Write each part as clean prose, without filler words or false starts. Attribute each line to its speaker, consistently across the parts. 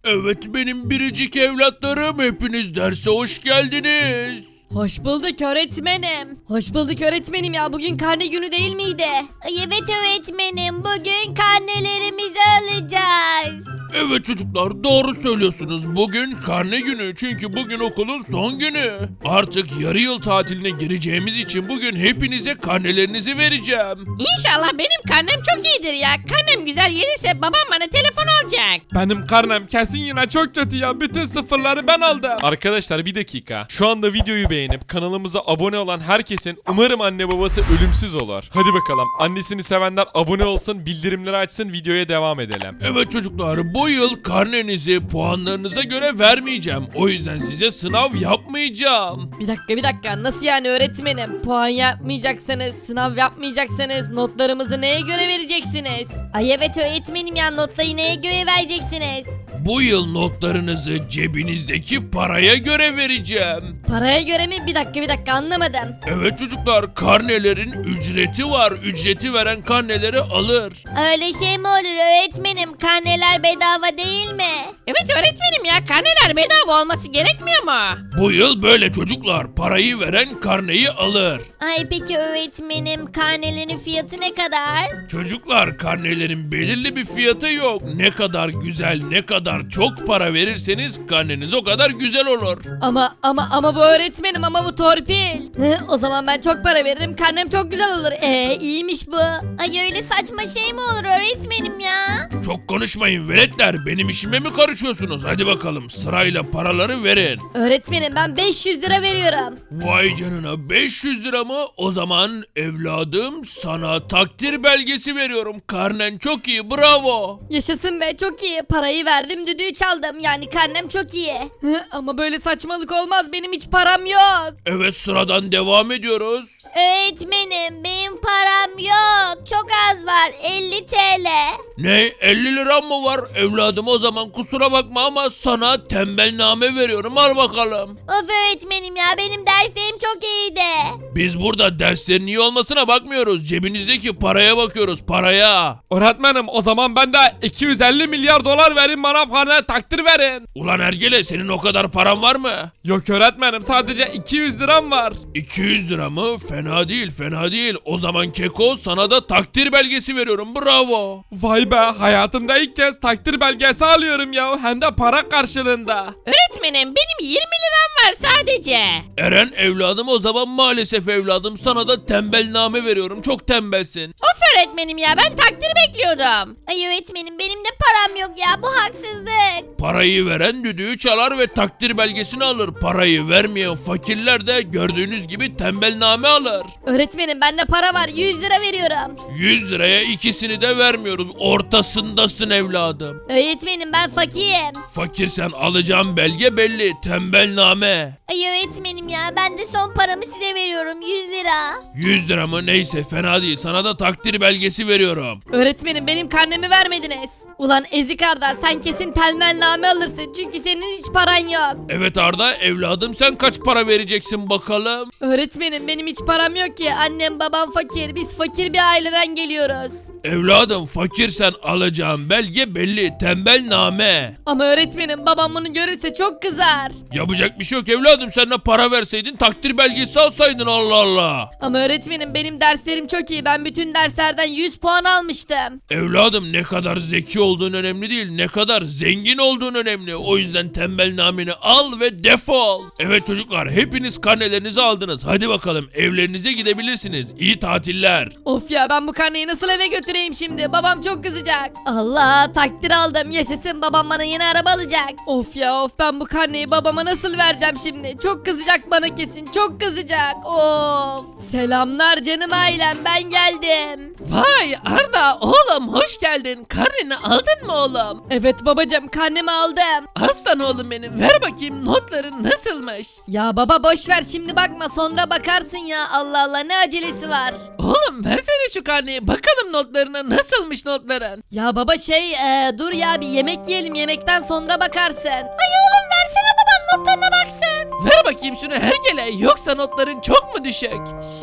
Speaker 1: Evet benim biricik evlatlarım, hepiniz derse hoş geldiniz.
Speaker 2: Hoş bulduk öğretmenim. Hoş bulduk öğretmenim ya, bugün karne günü değil miydi?
Speaker 3: Ay evet öğretmenim, bugün karnelerimizi alacağız.
Speaker 1: Evet çocuklar, doğru söylüyorsunuz. Bugün karne günü, çünkü bugün okulun son günü. Artık yarı yıl tatiline gireceğimiz için bugün hepinize karnelerinizi vereceğim.
Speaker 3: İnşallah benim karnem çok iyidir ya. Karnem güzel gelirse babam bana telefon alacak.
Speaker 4: Benim karnem kesin yine çok kötü ya. Bütün sıfırları ben aldım. Arkadaşlar bir dakika. Şu anda videoyu beğenip kanalımıza abone olan herkesin umarım anne babası ölümsüz olur. Hadi bakalım. Annesini sevenler abone olsun, bildirimleri açsın, videoya devam edelim.
Speaker 1: Evet çocuklar, bu yıl karnenizi puanlarınıza göre vermeyeceğim. O yüzden size sınav yapmayacağım.
Speaker 2: Bir dakika, nasıl yani öğretmenim? Puan yapmayacaksınız, sınav yapmayacaksınız, notlarımızı neye göre vereceksiniz?
Speaker 3: Ay evet öğretmenim ya, notları neye göre vereceksiniz?
Speaker 1: Bu yıl notlarınızı cebinizdeki paraya göre vereceğim.
Speaker 2: Paraya göre mi? Bir dakika anlamadım.
Speaker 1: Evet çocuklar, karnelerin ücreti var. Ücreti veren karneleri alır.
Speaker 3: Öyle şey mi olur öğretmenim? Karneler bedava değil mi? Evet öğretmenim ya, karneler bedava olması gerekmiyor mu?
Speaker 1: Bu yıl böyle çocuklar. Parayı veren karneyi alır.
Speaker 3: Ay peki öğretmenim, karnelerin fiyatı ne kadar?
Speaker 1: Çocuklar, karnelerin belirli bir fiyatı yok. Ne kadar güzel, ne kadar çok para verirseniz karneniz o kadar güzel olur.
Speaker 2: Ama bu öğretmenim, ama bu torpil. O zaman ben çok para veririm, karnem çok güzel olur. İyiymiş bu.
Speaker 3: Ay öyle saçma şey mi olur öğretmenim ya?
Speaker 1: Çok konuşmayın veletler. Benim işime mi karışıyorsunuz? Hadi bakalım, sırayla paraları verin.
Speaker 2: Öğretmenim ben 500 lira veriyorum.
Speaker 1: Vay canına, 500 lira mı? O zaman evladım, sana takdir belgesi veriyorum. Karnen çok iyi, bravo.
Speaker 2: Yaşasın be, çok iyi. Parayı verdim, düdüğü çaldım. Yani karnem çok iyi. Ama böyle saçmalık olmaz, benim hiç param yok.
Speaker 1: Evet, sıradan devam ediyoruz.
Speaker 3: Öğretmenim benim param yok. Çok az var, 50 TL.
Speaker 1: Ne, 50 lira mı var? Evladım, o zaman kusura bakma ama sana tembelname veriyorum, al bakalım.
Speaker 3: Of öğretmenim ya, benim derslerim çok iyiydi.
Speaker 1: Biz burada derslerin iyi olmasına bakmıyoruz. Cebinizdeki paraya bakıyoruz, paraya.
Speaker 4: Öğretmenim o zaman ben de 250 milyar dolar verin, bana karne takdir verin.
Speaker 1: Ulan Ergele, senin o kadar paran var mı?
Speaker 4: Yok öğretmenim, sadece 200 liram var.
Speaker 1: 200 lira mı? Fena değil, fena değil. O zaman Keko, sana da takdir belgesi veriyorum, bravo.
Speaker 4: Vay be, hayatımda ilk kez takdir belgesi alıyorum ya, hem de para karşılığında.
Speaker 3: Öğretmenim benim 20 liram var sadece.
Speaker 1: Eren evladım, o zaman maalesef evladım, sana da tembelname veriyorum, çok tembelsin.
Speaker 3: Of öğretmenim ya, ben takdir bekliyordum. Ay öğretmenim benim de param yok ya, bu haksızlık.
Speaker 1: Parayı veren düdüğü çalar ve takdir belgesini alır. Parayı vermeyen fakirler de gördüğünüz gibi tembelname alır.
Speaker 2: Öğretmenim bende para var, 100 lira veriyorum.
Speaker 1: 100 liraya ikisini de vermiyoruz. Ortasındasın evladım.
Speaker 2: Öğretmenim ben fakirim.
Speaker 1: Fakirsen alacağım belge belli. Tembelname.
Speaker 3: Ay öğretmenim ya, ben de son paramı size veriyorum, 100 lira.
Speaker 1: 100 lira mı? Neyse, fena değil. Sana da takdir belgesi veriyorum.
Speaker 2: Öğretmenim benim karnemi vermediniz. Ulan ezik Arda, sen kesin telmenname alırsın çünkü senin hiç paran yok.
Speaker 1: Evet Arda evladım, sen kaç para vereceksin bakalım?
Speaker 2: Öğretmenim benim hiç param yok ki, annem babam fakir, biz fakir bir aileden geliyoruz.
Speaker 1: Evladım, fakirsen alacağım belge belli. Tembelname.
Speaker 2: Ama öğretmenim babam bunu görürse çok kızar.
Speaker 1: Yapacak bir şey yok evladım, sen de para verseydin, takdir belgesi alsaydın, Allah Allah.
Speaker 2: Ama öğretmenim benim derslerim çok iyi, ben bütün derslerden 100 puan almıştım.
Speaker 1: Evladım, ne kadar zeki olduğun önemli değil, ne kadar zengin olduğun önemli. O yüzden tembelnameni al ve defol. Evet çocuklar, hepiniz karnelerinizi aldınız. Hadi bakalım, evlerinize gidebilirsiniz. İyi tatiller.
Speaker 2: Of ya, ben bu karneyi nasıl eve götüreyim şimdi, babam çok kızacak. Allah, takdir aldım, yaşasın, babam bana yeni araba alacak. Of ya of, ben bu karneyi babama nasıl vereceğim şimdi, çok kızacak bana, kesin çok kızacak. Of. Selamlar canım ailem, ben geldim.
Speaker 5: Vay Arda oğlum, hoş geldin. Karneni aldın mı oğlum?
Speaker 2: Evet babacım, karnemi aldım.
Speaker 5: Aslan oğlum benim, ver bakayım notların nasılmış?
Speaker 2: Ya baba boş ver, şimdi bakma, sonra bakarsın ya, Allah Allah, ne acelesi var.
Speaker 5: Oğlum versene şu karneyi, bakalım notlarına, nasılmış notların?
Speaker 2: Ya baba dur ya, bir yemek yiyelim, yemekten sonra bakarsın.
Speaker 3: Ay oğlum versene, baban notlarına baksın.
Speaker 5: Ver bakayım şunu hergele, yoksa notların çok mu düşük?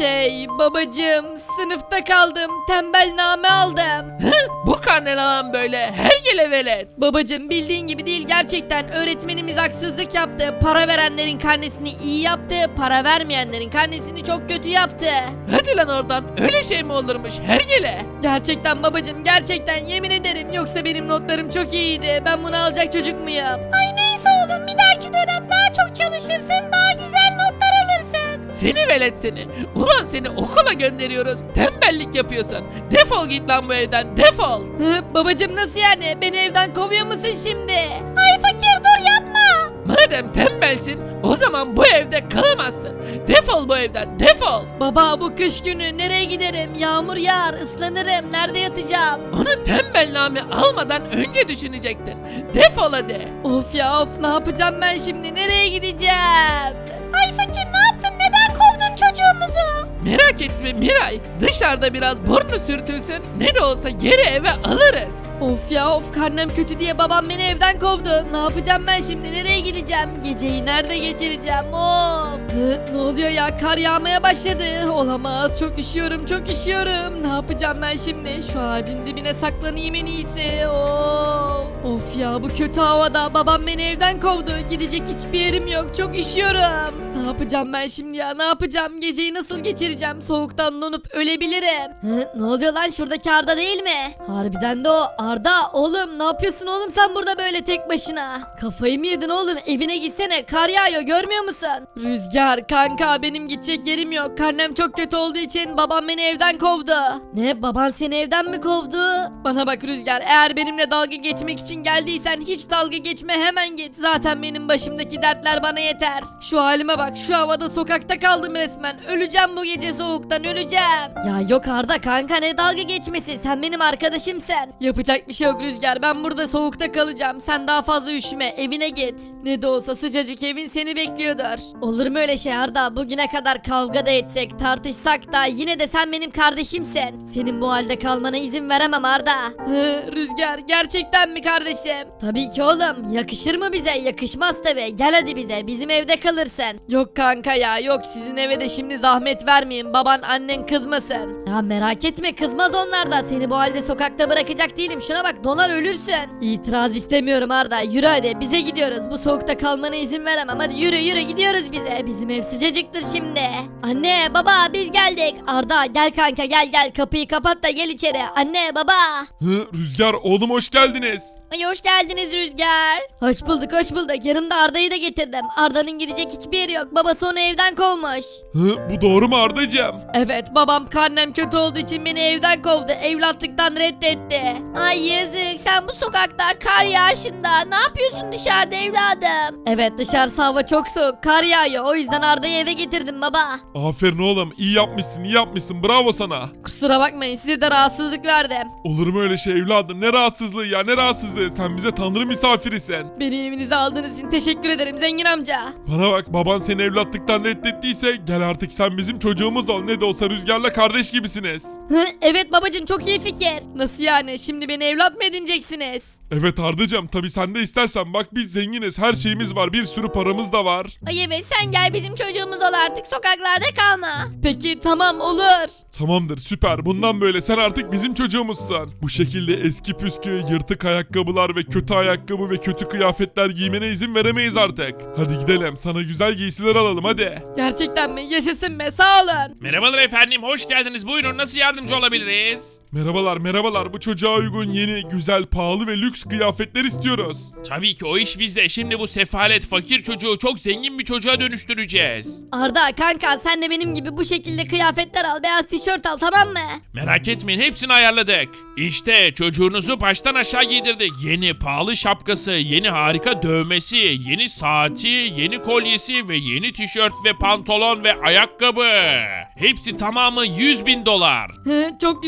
Speaker 2: Babacım sınıfta kaldım. Tembelname aldım.
Speaker 5: Bu karne lan böyle hergele velet.
Speaker 2: Babacım bildiğin gibi değil gerçekten. Öğretmenimiz haksızlık yaptı. Para verenlerin karnesini iyi yaptı. Para vermeyenlerin karnesini çok kötü yaptı.
Speaker 5: Hadi lan oradan, öyle şey mi olurmuş hergele?
Speaker 2: Gerçekten babacım gerçekten yemin ederim. Yoksa benim notlarım çok iyiydi. Ben bunu alacak çocuk muyum?
Speaker 3: Ay neyse oğlum, bir dahaki dönem daha çok çalışırsın, daha güzel notlar alırsın.
Speaker 5: Seni velet seni. Ulan seni okula gönderiyoruz. Tembellik yapıyorsun. Defol git lan bu evden, defol.
Speaker 2: Babacım nasıl yani? Beni evden kovuyor musun şimdi?
Speaker 3: Ay fakir dur yapma.
Speaker 5: Madem tembelsin, o zaman bu evde kalamazsın. Defol bu evden, defol.
Speaker 2: Baba bu kış günü nereye giderim? Yağmur yağar, ıslanırım. Nerede yatacağım?
Speaker 5: Onu tembelname almadan önce düşünecektin. Defol hadi.
Speaker 2: Of ya of ne yapacağım ben şimdi? Nereye gideceğim?
Speaker 3: Ay fakir ne yaptın, neden kovdun çocuğumuzu?
Speaker 5: Merak etme Miray. Dışarıda biraz burnu sürtülsün. Ne de olsa geri eve alırız.
Speaker 2: Of ya of karnem kötü diye babam beni evden kovdu. Ne yapacağım ben şimdi? Nereye gideceğim? Geceyi nerede geçireceğim? Of. Ne oluyor ya? Kar yağmaya başladı. Olamaz. Çok üşüyorum. Çok üşüyorum. Ne yapacağım ben şimdi? Şu ağacın dibine saklanayım en iyisi. Of. Of ya bu kötü havada babam beni evden kovdu. Gidecek hiçbir yerim yok. Çok üşüyorum. Ne yapacağım ben şimdi ya? Ne yapacağım? Geceyi nasıl geçireceğim? Soğuktan donup ölebilirim. Ne oluyor lan? Şuradaki Arda değil mi? Harbiden de o. Arda oğlum ne yapıyorsun oğlum sen burada böyle tek başına? Kafayı mı yedin oğlum? Evine gitsene. Kar yağıyor görmüyor musun? Rüzgar kanka benim gidecek yerim yok. Karnem çok kötü olduğu için babam beni evden kovdu. Ne baban seni evden mi kovdu? Bana bak Rüzgar eğer benimle dalga geçmek için geldiysen hiç dalga geçme hemen git. Zaten benim başımdaki dertler bana yeter. Şu halime bak şu havada sokakta kaldım resmen. Öleceğim bu gece soğuktan öleceğim. Ya yok Arda kanka ne dalga geçmesi sen benim arkadaşımsın. Yapacak bir şey yok Rüzgar ben burada soğukta kalacağım. Sen daha fazla üşüme evine git. Ne de olsa sıcacık evin seni bekliyordur. Olur mu öyle şey Arda bugüne kadar kavga da etsek tartışsak da yine de sen benim kardeşimsin. Senin bu halde kalmana izin veremem Arda. Rüzgar gerçekten mi kardeşim? Tabii ki oğlum yakışır mı bize yakışmaz tabi gel hadi bize bizim evde kalırsın. Yok kanka ya yok sizin eve de şimdi zahmet vermeyin baban annen kızmasın. Ya merak etme kızmaz onlar da seni bu halde sokakta bırakacak değilim şuna bak donar ölürsün. İtiraz istemiyorum Arda yürü hadi bize gidiyoruz bu soğukta kalmana izin veremem hadi yürü yürü gidiyoruz bize bizim ev sıcacıktır şimdi. Anne baba biz geldik. Arda gel kanka gel kapıyı kapat da gel içeri anne baba.
Speaker 4: Rüzgar oğlum hoş geldiniz.
Speaker 3: Ay hoş geldiniz Rüzgar.
Speaker 2: Hoş bulduk hoş bulduk yanımda Arda'yı da getirdim. Arda'nın gidecek hiçbir yeri yok babası onu evden kovmuş.
Speaker 4: Bu doğru mu Ardacığım?
Speaker 2: Evet babam karnem kötü olduğu için beni evden kovdu evlatlıktan reddetti.
Speaker 3: Ay yazık, sen bu sokakta kar yağışında ne yapıyorsun dışarıda evladım?
Speaker 2: Evet dışarısı hava çok soğuk kar yağıyor o yüzden Arda'yı eve getirdim baba.
Speaker 4: Aferin oğlum iyi yapmışsın bravo sana.
Speaker 2: Kusura bakmayın size de rahatsızlık verdim.
Speaker 4: Olur mu öyle şey evladım ne rahatsızlığı ya ne rahatsızlığı sen bize tanrı misafirisin.
Speaker 2: Beni evinize aldığınız için teşekkür ederim zengin amca.
Speaker 4: Bana bak baban seni evlatlıktan reddettiyse gel artık sen bizim çocuğumuz ol ne de olsa Rüzgar'la kardeş gibisiniz.
Speaker 2: Evet babacım çok iyi fikir. Nasıl yani şimdi beni evlat mı edineceksiniz?
Speaker 4: Evet Ardacığım tabi sen de istersen bak biz zenginiz her şeyimiz var bir sürü paramız da var.
Speaker 3: Ay evet sen gel bizim çocuğumuz ol artık sokaklarda kalma.
Speaker 2: Peki tamam olur.
Speaker 4: Tamamdır süper bundan böyle sen artık bizim çocuğumuzsun. Bu şekilde eski püskü yırtık ayakkabılar ve kötü ayakkabı ve kötü kıyafetler giymene izin veremeyiz artık. Hadi gidelim sana güzel giysiler alalım hadi.
Speaker 2: Gerçekten mi? Yaşasın be sağ olun.
Speaker 1: Merhabalar efendim, hoş geldiniz. Buyurun, nasıl yardımcı olabiliriz?
Speaker 4: Merhabalar bu çocuğa uygun yeni güzel pahalı ve lüks kıyafetler istiyoruz.
Speaker 1: Tabii ki o iş bizde. Şimdi bu sefalet fakir çocuğu çok zengin bir çocuğa dönüştüreceğiz.
Speaker 2: Arda kanka sen de benim gibi bu şekilde kıyafetler al beyaz tişört al tamam mı?
Speaker 1: Merak etmeyin, hepsini ayarladık. İşte çocuğunuzu baştan aşağı giydirdik. Yeni pahalı şapkası, yeni harika dövmesi, yeni saati, yeni kolyesi ve yeni tişört ve pantolon ve ayakkabı. Hepsi tamamı 100.000 dolar.
Speaker 2: Çok güzel oldu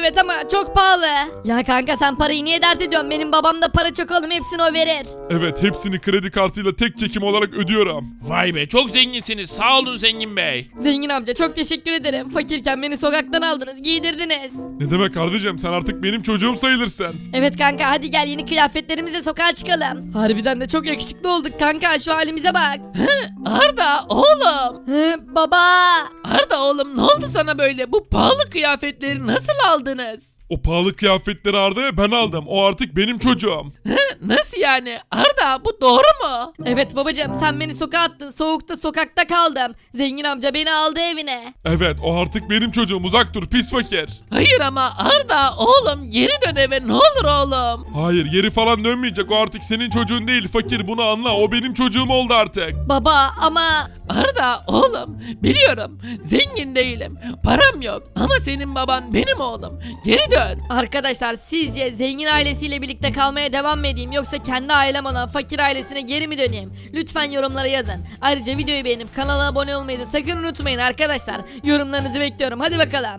Speaker 2: evet ama çok pahalı. Ya kanka sen parayı niye dert ediyorsun? Benim babamda para çok oğlum, hepsini o verir.
Speaker 6: Evet, hepsini kredi kartıyla tek çekim olarak ödüyorum.
Speaker 1: Vay be çok zenginsiniz. Sağ olun zengin bey.
Speaker 2: Zengin amca çok teşekkür ederim. Fakirken beni sokaktan aldınız, giydirdiniz.
Speaker 6: Ne demek kardeşim, sen artık benim çocuğum sayılırsın.
Speaker 2: Evet kanka, hadi gel yeni kıyafetlerimizle sokağa çıkalım. Harbiden de çok yakışıklı olduk kanka, şu halimize bak.
Speaker 5: Arda oğlum.
Speaker 2: Hı, baba.
Speaker 5: Arda oğlum ne oldu sana böyle? Bu pahalı kıyafetleri nasıl aldınız?
Speaker 6: O pahalı kıyafetleri Arda'ya ben aldım. O artık benim çocuğum.
Speaker 5: Nasıl yani? Arda bu doğru mu?
Speaker 2: Evet babacığım, sen beni sokağa attın, soğukta sokakta kaldım. Zengin amca beni aldı evine.
Speaker 6: Evet, o artık benim çocuğum. Uzak dur pis fakir.
Speaker 5: Hayır ama Arda oğlum geri dön eve ne olur oğlum.
Speaker 6: Hayır, yeri falan dönmeyecek. O artık senin çocuğun değil fakir, bunu anla. O benim çocuğum oldu artık.
Speaker 2: Baba ama...
Speaker 5: Arda oğlum biliyorum zengin değilim param yok ama senin baban benim oğlum geri dön.
Speaker 2: Arkadaşlar sizce zengin ailesiyle birlikte kalmaya devam mı edeyim, yoksa kendi ailem olan fakir ailesine geri mi döneyim? Lütfen yorumlara yazın. Ayrıca videoyu beğenip kanala abone olmayı da sakın unutmayın arkadaşlar. Yorumlarınızı bekliyorum, hadi bakalım.